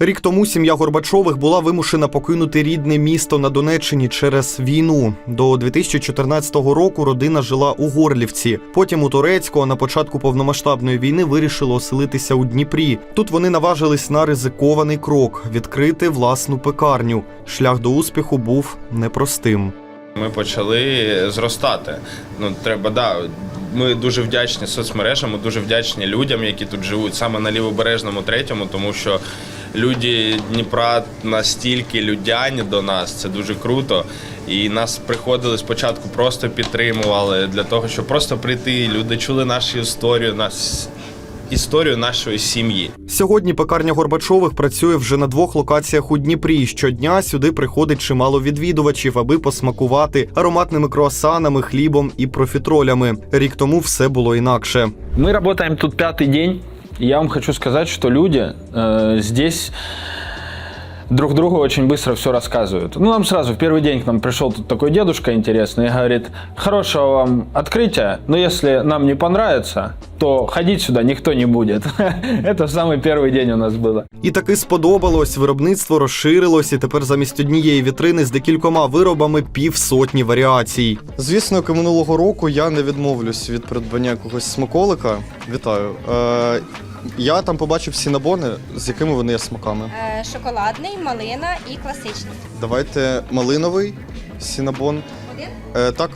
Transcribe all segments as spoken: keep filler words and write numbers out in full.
Рік тому сім'я Горбачових була вимушена покинути рідне місто на Донеччині через війну. До дві тисячі чотирнадцятого року родина жила у Горлівці. Потім у Торецьку, а на початку повномасштабної війни вирішили оселитися у Дніпрі. Тут вони наважились на ризикований крок – відкрити власну пекарню. Шлях до успіху був непростим. Ми почали зростати. Ну, треба, да, ми дуже вдячні соцмережам, ми дуже вдячні людям, які тут живуть, саме на Лівобережному третьому, тому що люди Дніпра настільки людяні до нас, це дуже круто. І нас приходили спочатку, просто підтримували для того, щоб просто прийти. Люди чули нашу історію, нас, історію нашої сім'ї. Сьогодні пекарня Горбачових працює вже на двох локаціях у Дніпрі. Щодня сюди приходить чимало відвідувачів, аби посмакувати ароматними круасанами, хлібом і профітролями. Рік тому все було інакше. Ми працюємо тут п'ятий день. И я вам хочу сказать, что люди э, здесь друг другу очень быстро все рассказывают. Ну, нам сразу в первый день к нам пришел тут такой дедушка интересный и говорит: хорошего вам открытия, но если нам не понравится, то ходить сюда никто не будет. Это самый первый день у нас было. І таки сподобалось. Виробництво розширилось, і тепер замість однієї вітрини з декількома виробами півсотні варіацій. Звісно, як і минулого року я не відмовлюсь від придбання якогось смаколика. Вітаю. Е, я там побачив сінабони, з якими вони є смаками. Е, шоколадний, малина і класичний. Давайте малиновий сінабон. Один? Е, так.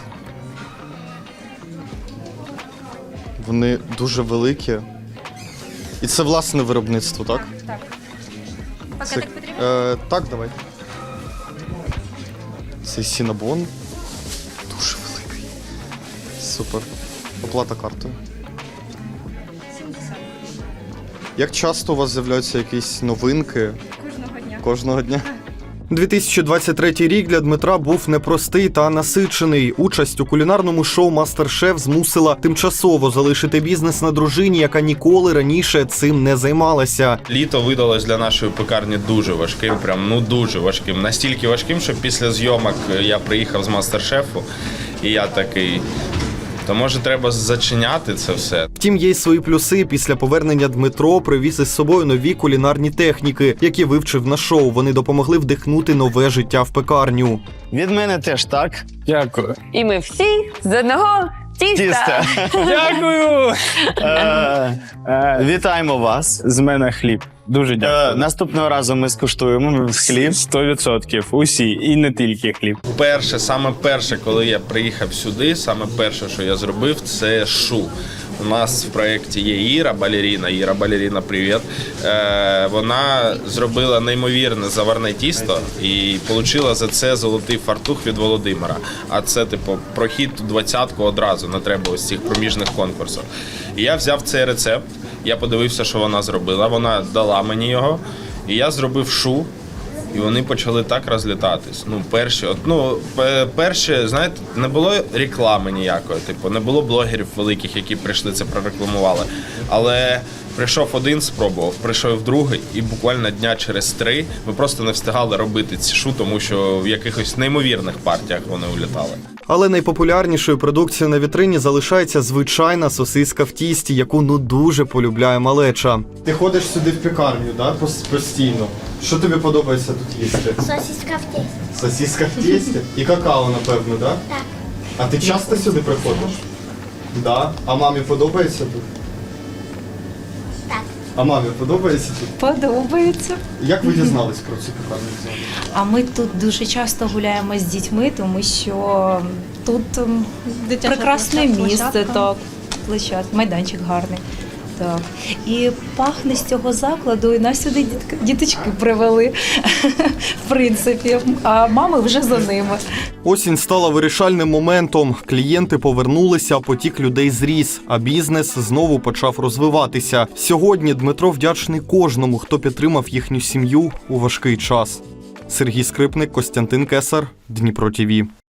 Вони дуже великі. І це власне виробництво, так? Так, так. Це, Пакетик потрібен? е, так, давай. Цей сінабон дуже великий. Супер. Оплата картою. сімдесят. Як часто у вас з'являються якісь новинки? Кожного дня. Кожного дня? дві тисячі двадцять третій рік для Дмитра був непростий та насичений. Участь у кулінарному шоу «Мастер-шеф» змусила тимчасово залишити бізнес на дружині, яка ніколи раніше цим не займалася. Літо видалось для нашої пекарні дуже важким, прям ну дуже важким. Настільки важким, що після зйомок я приїхав з «Мастер-шефу» і я такий: то може треба зачиняти це все. Втім, є й свої плюси. Після повернення Дмитро привіз із собою нові кулінарні техніки, які вивчив на шоу. Вони допомогли вдихнути нове життя в пекарню. Від мене теж так. Дякую. І ми всі з одного тіста. Тісто. Дякую. Е, е, Вітаємо вас. З мене хліб. Дуже Е, дякую. Наступного разу ми скуштуємо хліб. сто відсотків. Усі. І не тільки хліб. Перше, саме перше, коли я приїхав сюди, саме перше, що я зробив, це шу. У нас в проєкті є Іра Балеріна. Іра Балеріна, привіт. Е, вона зробила неймовірне заварне тісто і отримала за це золотий фартух від Володимира. А це, типу, прохід у двадцятку одразу, не треба ось цих проміжних конкурсів. І я взяв цей рецепт, я подивився, що вона зробила, вона дала мені його, і я зробив шу. І вони почали так розлітатись. Ну, перші, от, ну, перші, знаєте, не було реклами ніякої, типу, не було блогерів великих, які прийшли це прорекламували. Але прийшов один, спробував, прийшов другий, і буквально дня через три ми просто не встигали робити ці шу, тому що в якихось неймовірних партіях вони улітали. Але найпопулярнішою продукцією на вітрині залишається звичайна сосиска в тісті, яку ну дуже полюбляє малеча. Ти ходиш сюди в пекарню, да, постійно? Що тобі подобається тут їсти? Сосиска в тесті. Сосиска в тісті? І какао, напевно, да? Так. А ти часто сюди приходиш? Да. А мамі подобається тут? Так. А мамі подобається тут? Подобається. Як ви дізналися про цю пекарню взагалі? А ми тут дуже часто гуляємо з дітьми, тому що тут ем, прекрасне площадка. місце, так, площадка, майданчик гарний. Так. І пахне з цього закладу, і нас сюди дітки, діточки привели, в принципі, а мами вже за ними. Осінь стала вирішальним моментом. Клієнти повернулися, потік людей зріс, а бізнес знову почав розвиватися. Сьогодні Дмитро вдячний кожному, хто підтримав їхню сім'ю у важкий час. Сергій Скрипник, Костянтин Кесар, Дніпро ТІВІ.